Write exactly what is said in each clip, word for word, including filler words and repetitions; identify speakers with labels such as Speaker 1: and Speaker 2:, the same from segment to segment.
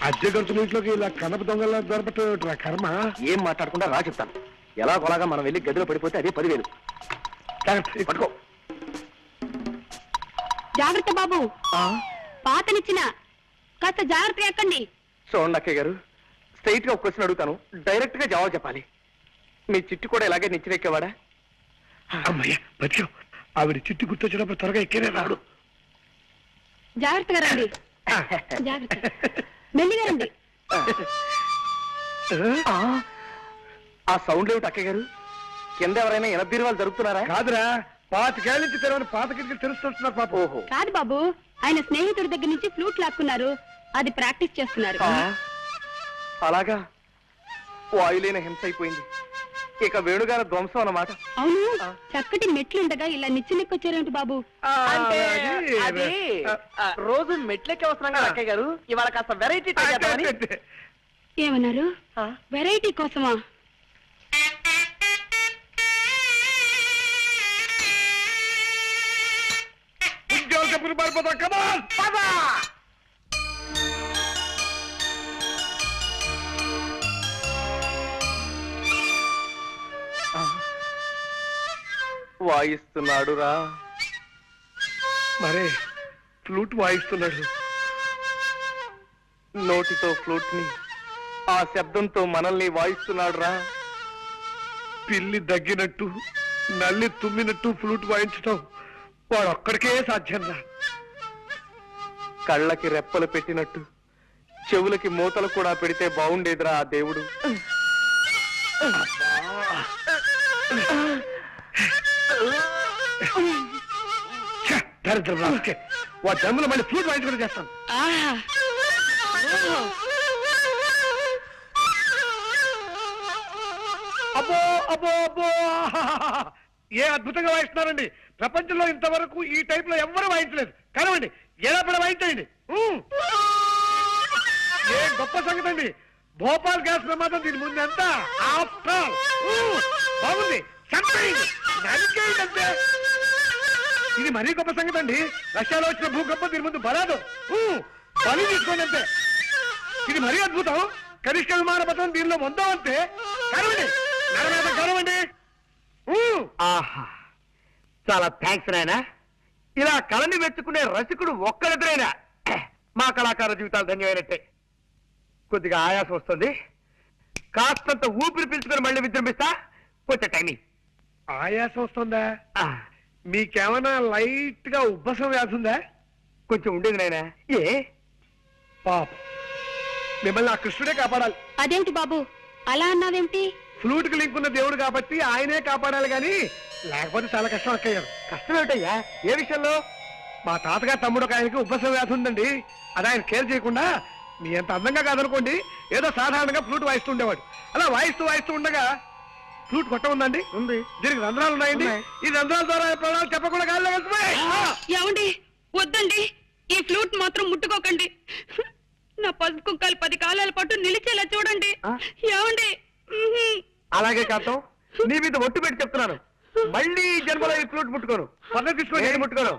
Speaker 1: అద్దె గంతుల ఇంట్లోకి ఇలా కనప దొంగల దొరపట్టు కర్మ.
Speaker 2: ఏం మాట్లాడకుండా రా చెప్తాను. ఎలా కొలాగా మనం వెళ్ళి గదిలో పడిపోతే అదే పదివేలు. పట్టుకో.
Speaker 3: జాగ్రత్త బాబు, పాతనిచ్చిన కాస్త జాగ్రత్తగా ఎక్కండి.
Speaker 2: చూడండి అక్కయ్య గారు, స్ట్రైట్ గా ఒక క్వశ్చన్ అడుగుతాను, డైరెక్ట్ గా జవాబు చెప్పాలి. మీ చిట్టు కూడా ఇలాగే నిచ్చినెక్కేవాడా?
Speaker 1: అమ్మయ్య బతికావు. ఆవిడ చిట్టు గుర్తొచ్చినప్పుడు త్వరగా ఎక్కేనే రాడు.
Speaker 3: జాగ్రత్తగా రండి, జాగ్రత్త, మెల్లిగా రండి.
Speaker 2: ఆ సౌండ్ ఏమిటి అక్కయ్య గారు? కింద ఎవరైనా ఎనభై వాళ్ళు జరుగుతున్నారా?
Speaker 1: కాదురా, పాతికేళ్ళ నుంచి తెరవని పాత కిటికీలు తెలుస్తున్నారు పాప.
Speaker 2: ఓహో,
Speaker 3: కాదు బాబు, ఆయన స్నేహితుడి దగ్గర నుంచి ఫ్లూట్ లాక్కున్నారు, అది ప్రాక్టీస్ చేస్తున్నారు.
Speaker 2: అలాగా, వాయులేని హింస అయిపోయింది. ఇక వేణుగారి ధ్వంసం అన్నమాట.
Speaker 3: అవును, చక్కటి మెట్లుండగా ఇలా నిచ్చినెక్కొచ్చారేంటి బాబు?
Speaker 2: అంటే అది రోజు మెట్లెక్కి వస్తున్నాం కదా అక్కయ్య గారు, ఇవాళ కాస్త వెరైటీ.
Speaker 3: ఏమన్నారు? వెరైటీ కోసమా?
Speaker 2: వాయిస్తున్నాడు రా.
Speaker 1: మరే ఫ్లూట్ వాయిస్తున్నాడు.
Speaker 2: నోటితో ఫ్లూట్ ని, ఆ శబ్దంతో మనల్ని వాయిస్తున్నాడు రా.
Speaker 1: పిల్లి దగ్గినట్టు, నల్లి తుమ్మినట్టు ఫ్లూట్ వాయించటం వాడు ఒక్కడికే సాధ్యం రా.
Speaker 2: కళ్ళకి రెప్పలు పెట్టినట్టు చెవులకి మూతలు కూడా పెడితే బాగుండేదిరా ఆ దేవుడు.
Speaker 1: దరిద్రం రాకే, వా జమ్ములో మళ్ళీ ఫ్లూట్ వాయించుకుంటూ చేస్తాను. అబ్బో అబ్బో అబ్బో, ఏ అద్భుతంగా వాయిస్తున్నారండి. ప్రపంచంలో ఇంతవరకు ఈ టైప్ లో ఎవ్వరూ వాయించలేదు. కనవండి, ఎలా పడ వాయించండి. ఏ గొప్ప సంగతి అండి. భోపాల్ గ్యాస్ ప్రమాదం దీని ముందు ఎంత బాగుంది. అంతే, ఇది మరీ గొప్ప సంగతి అండి. రష్యాలో వచ్చిన భూకంపం దీని ముందు బలాదు. బలి తీసుకోండి అంతే. ఇది మరీ అద్భుతం. కనిష్ట విమాన పథకం దీనిలో వందో అంతే. కనవండి, కనవండి.
Speaker 2: ఆహా, చాలా థ్యాంక్స్ నాయనా. ఇలా కళని మెచ్చుకునే రసికుడు ఒక్కరిద్దరైనా మా కళాకార జీవితాలు ధన్యమైనట్టే. కొద్దిగా ఆయాసం వస్తుంది, కాస్తంత ఊపిరి పీల్చుకొని మళ్ళీ విజృంభిస్తా. కొంచెం టైమింగ్.
Speaker 1: ఆయాసం వస్తుందా? మీకేమైనా లైట్ గా ఉబ్బసం వ్యాధి ఉందా?
Speaker 2: కొంచెం ఉండేది నాయనా. ఏ
Speaker 1: పాప, మిమ్మల్ని ఆ కృష్ణుడే కాపాడాలి.
Speaker 3: అదేమిటి బాబు అలా అన్నావేమిటి?
Speaker 1: ఫ్లూట్ కి లింక్ ఉన్న దేవుడు కాబట్టి ఆయనే కాపాడాలి, గాని లేకపోతే చాలా కష్టం అక్కయ్యారు.
Speaker 2: కష్టం ఏమిటయ్యా? ఏ విషయంలో?
Speaker 1: మా తాతగారు తమ్ముడు ఒక ఆయనకి ఉబ్బసం వ్యాధి ఉందండి. అది ఆయన కేర్ చేయకుండా, మీ అంత అందంగా కాదనుకోండి, ఏదో సాధారణంగా ఫ్లూట్ వాయిస్తూ ఉండేవాడు. అలా వాయిస్తూ వాయిస్తూ ఉండగా ఫ్లూట్ కొట్ట ఉందండి, ఉంది. దీనికి రంధ్రాలు ఉన్నాయండి. ఈ రంధ్రాల ద్వారా ప్రాణాలు చెప్పకుండా గాల్లో వెళ్తున్నాయి.
Speaker 3: ఏమండి, వద్దండి, ఈ ఫ్లూట్ మాత్రం ముట్టుకోకండి. నా పసుపు కుక్కలు పది కాలాల పాటు నిలిచేలా చూడండి. ఏమండి?
Speaker 2: అలాగే కాంతం, నీ మీద ఒట్టు పెట్టి చెప్తున్నాను, మళ్ళీ జన్మలో ఈ ఫ్లూట్ ముట్టుకోను. పద్ధతి తీసుకోండి, ముట్టుకోను.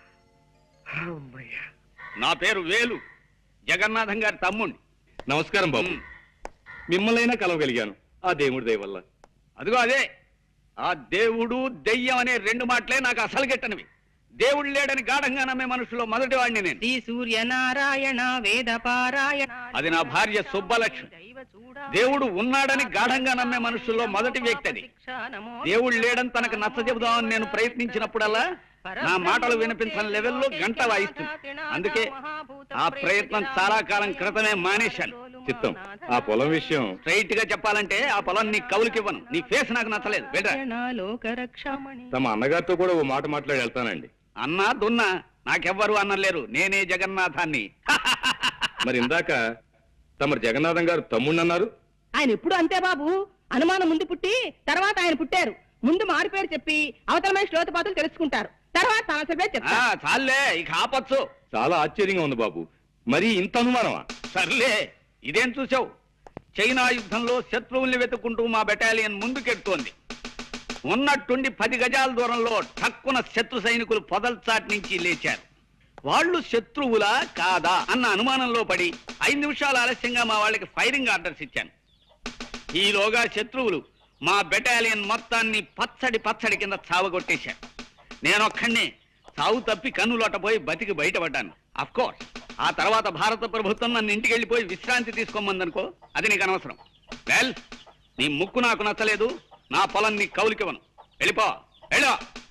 Speaker 4: నా పేరు వేలు, జగన్నాథం గారి తమ్ముణ్ణి.
Speaker 5: నమస్కారం బాబు. మిమ్మల్నైనా కలవగలిగాను ఆ దేవుడి దయ వల్ల.
Speaker 4: అదిగో అదే, ఆ దేవుడు దెయ్యం అనే రెండు మాటలే నాకు అసలు గిట్టనివి. దేవుడు లేడని గాఢంగా నమ్మే మనుషులో మొదటి వాడిని నేను.
Speaker 6: శ్రీ సూర్యనారాయణ వేద పారాయణ,
Speaker 4: అది నా భార్య సుబ్బలక్ష్మి. దేవుడు ఉన్నాడని గాఢంగా నమ్మే మనుషుల్లో మొదటి వ్యక్తి అది. దేవుడు లేడని తనకు నచ్చ చెబుదామని నేను ప్రయత్నించినప్పుడల్లా నా మాటలు వినిపించని లెవెల్లో గంట వాయిస్తుంది. అందుకే ఆ ప్రయత్నం చాలా కాలం క్రితమే మానేశాను.
Speaker 5: చిత్తం, ఆ పొలం విషయం
Speaker 4: స్ట్రైట్ గా చెప్పాలంటే ఆ పొలం నీ కవులకివ్వను. నీ ఫేస్ నాకు నచ్చలేదు.
Speaker 5: తమ అన్నగారితో కూడా ఓ మాట మాట్లాడి వెళ్తానండి.
Speaker 4: అన్నా దున్నా నాకెవ్వరు అన్నలేరు, నేనే జగన్నాథాన్ని.
Speaker 5: మరి ఇందాక తమరు జగన్నాథం గారు తమ్ముడు అన్నారు.
Speaker 6: ఆయన ఎప్పుడు అంతే బాబు, అనుమానం ముందు పుట్టి తర్వాత ఆయన పుట్టారు. ముందు మారు పేరు చెప్పి అవతల మనిషి లోతుపాతులు తెలుసుకుంటారు, తర్వాత సమస్య చెప్తారు.
Speaker 4: చాలే, ఇక ఆపచ్చు.
Speaker 5: చాలా ఆశ్చర్యంగా ఉంది బాబు, మరి ఇంత అనుమానమా?
Speaker 4: సర్లే, ఇదేం చూసావు? చైనా యుద్ధంలో శత్రువుల్ని వెతుక్కుంటూ మా బెటాలియన్ ముందుకెడుతోంది. ఉన్నట్టుండి పది గజాల దూరంలో ఠక్కున శత్రు సైనికులు పొదల్చాటి నుంచి లేచారు. వాళ్ళు శత్రువులా కాదా అన్న అనుమానంలో పడి ఐదు నిమిషాలు ఆలస్యంగా మా వాళ్ళకి ఫైరింగ్ ఆర్డర్స్ ఇచ్చాను. ఈలోగా శత్రువులు మా బెటాలియన్ మొత్తాన్ని పచ్చడి పచ్చడి కింద చావగొట్టేశారు. నేనొక్కడినే చావు తప్పి కన్నులోటపోయి బతికి బయటపడ్డాను. అఫ్ కోర్స్ ఆ తర్వాత భారత ప్రభుత్వం నన్ను ఇంటికి వెళ్ళిపోయి విశ్రాంతి తీసుకోమందనుకో, అది నీకు అనవసరం. వెల్, నీ ముక్కు నాకు నచ్చలేదు, నా పొలం నీ కౌలికివ్వను. వెళ్ళిపో, వెళ్ళో.